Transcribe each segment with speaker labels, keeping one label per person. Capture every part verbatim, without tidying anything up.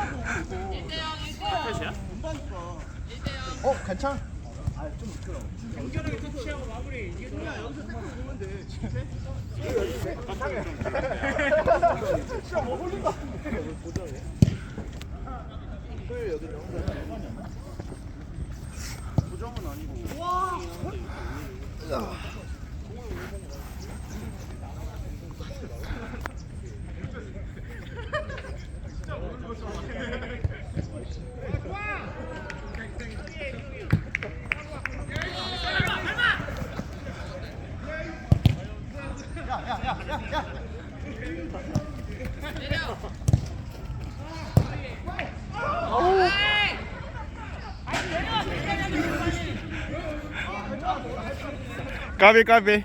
Speaker 1: 어, 괜찮아.
Speaker 2: 연결하게 터치하고 마무리. 이게 뭐야? 여기서 딱 보면 돼. 진짜 뭐 홀린 거 같은데. 보정해. 그 여기 보정은 아니고. 와.
Speaker 3: 까비 까비.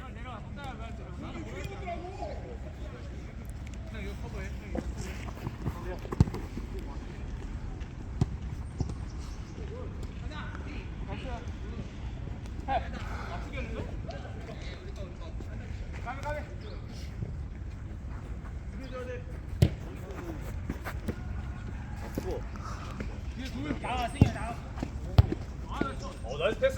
Speaker 4: 어 나이스 패스.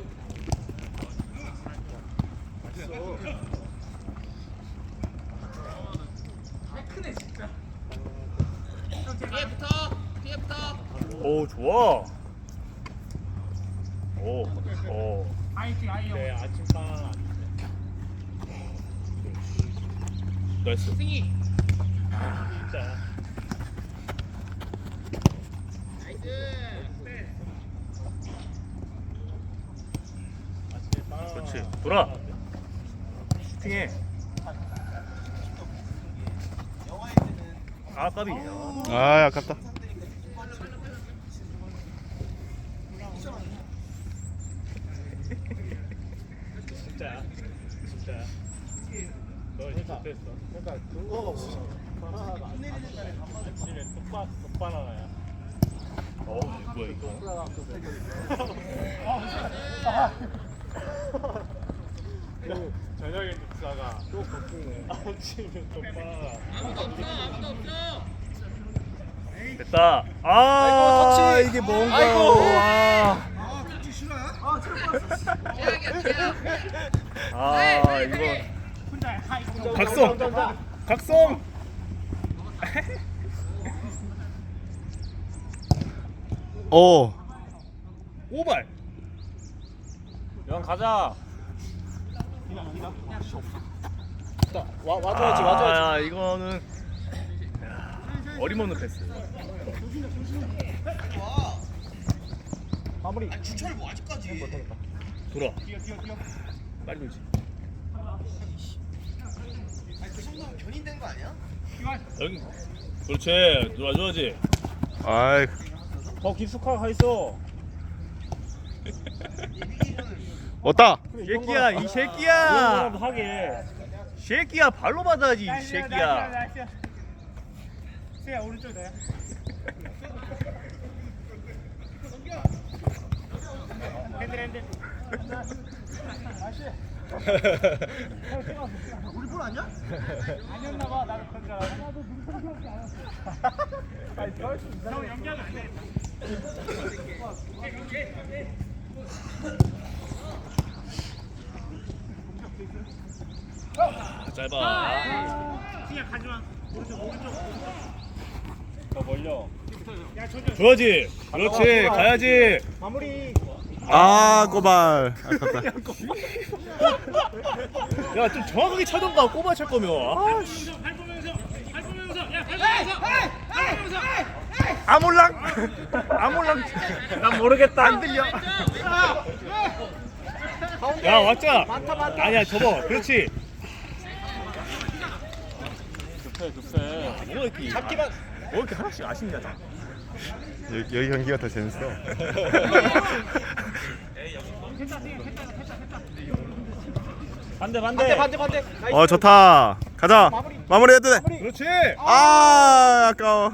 Speaker 4: 오 좋아. 오 오.
Speaker 2: 아이팅 아이요.
Speaker 4: 네 아침빵. 나이스.
Speaker 2: 승희.
Speaker 4: 진짜. 그렇지. 돌아. 슈팅해. 아 까비.
Speaker 3: 아 아깝다.
Speaker 4: 진짜야. 진짜야. 너 진짜 됐어.
Speaker 1: 그러니까 근거가 없어.
Speaker 4: 아침에 똑바 똑바나나야. 어 뭐야 이거. 저녁에 묵사가 또 걷기네. 아침에 똑바나나.
Speaker 2: 아무도 없어. 아무도 없어.
Speaker 4: 됐다. 아
Speaker 1: 터치.
Speaker 4: 이게 뭔가.
Speaker 1: 아이고.
Speaker 4: 아,
Speaker 2: 아, 그치 싫어요? 아, 들어봤어. 제약이야, 제약.
Speaker 4: 아 이거.
Speaker 2: 혼자 다 이거.
Speaker 4: 각성. 각성.
Speaker 3: 오.
Speaker 4: 오발. 영 가자.
Speaker 1: 와 와줘야지 와줘야지.
Speaker 4: 아, 이거는 야, 어림없는 패스.
Speaker 1: 마무리.
Speaker 2: 주철 뭐 아직까지.
Speaker 1: 못하겠다.
Speaker 4: 돌아.
Speaker 2: 뛰어, 뛰어, 뛰어.
Speaker 4: 빨리 돌지.
Speaker 2: 아니, 그 정도면 견인된 거 아니야?
Speaker 4: 여기. 그렇지. 놀아줘야지.
Speaker 3: 아이.
Speaker 4: 더 깊숙하게 가 있어.
Speaker 3: 왔다.
Speaker 4: 새끼야, 이 새끼야. 하게. 새끼야, 발로 받아야지, 이 새끼야.
Speaker 2: 세야 오른쪽 너야. 핸들 핸들. 우리 볼 아니야? 아니었나 봐. 나도 그런 줄 알았어. 나도 눈썹이 않았어. 아니, 형 연기하면 안 되겠다.
Speaker 4: 아, 짧아.
Speaker 2: 그냥 가지마. 오른쪽 오른쪽.
Speaker 4: 더 벌려.
Speaker 2: 야 조져.
Speaker 4: 줘야지. 그렇지. 가야지.
Speaker 2: 마무리.
Speaker 3: 아 꼬발. 아깝다.
Speaker 4: 야, 좀 정확하게 차던가. 꼬마 찰 거면. 아, 씨.
Speaker 2: 발 보면서 발 보면서 야 발 보면서 발 보면서.
Speaker 4: 아몰랑. 아몰랑. 난 모르겠다. 안 들려. 야, 왔자. 아니야, 접어. 그렇지. 급해, 급해. 뭐가 이렇게. 잡기만. 뭐 이렇게 하나씩 아쉽냐, 다.
Speaker 3: 여기, 여기 경기가 더 재밌어.
Speaker 4: 반대, 반대.
Speaker 1: 반대 반대.
Speaker 3: 어 좋다. 가자. 마무리 해도 돼.
Speaker 4: 그렇지.
Speaker 3: 아 아까워.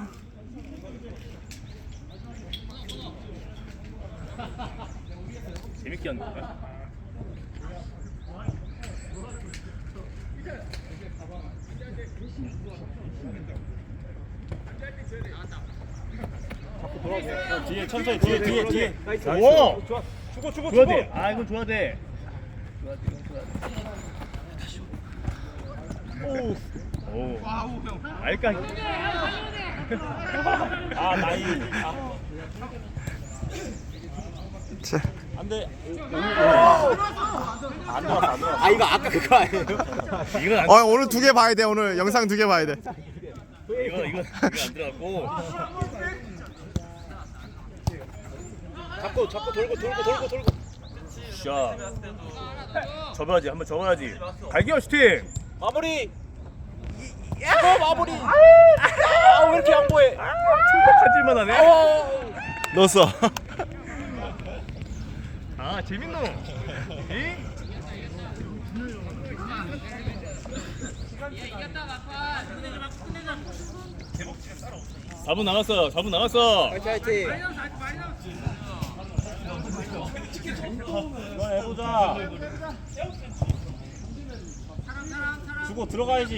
Speaker 4: 재밌게 하는 거야?
Speaker 2: 뒤에 천천히 뒤에 뒤에 뒤에.
Speaker 4: 와!
Speaker 2: 좋아. 주고 주고
Speaker 4: 줘야
Speaker 2: 주고.
Speaker 4: 돼. 아 이건 줘야 돼. 줘야 돼. 이건 줘야 돼. 오. 오. 알까?
Speaker 2: 아 나이. 아.
Speaker 3: 자,
Speaker 2: 안돼. 안 들어갔어 안 들어갔어.
Speaker 1: 아 이거 아까 그거 아니에요?
Speaker 4: 이건 안.
Speaker 3: 어 오늘 두 개 봐야 돼. 오늘 영상 두 개 봐야 돼.
Speaker 4: 이건 이건 이건 안 들어갔고.
Speaker 1: 잡고 잡고 돌고 돌고 돌고 돌고.
Speaker 4: 자. 접어야지. 한번 접어야지. 갈기어 슈팅.
Speaker 1: 마무리. 이거 마무리. 아왜 이렇게 양보해?
Speaker 4: 촉박하질만 하네.
Speaker 3: 넣었어.
Speaker 4: 아 재밌노. 이? 사 분 남았어. 사 분 남았어.
Speaker 1: 화이팅 화이팅.
Speaker 2: 이번 해보자. 주고 들어가야지.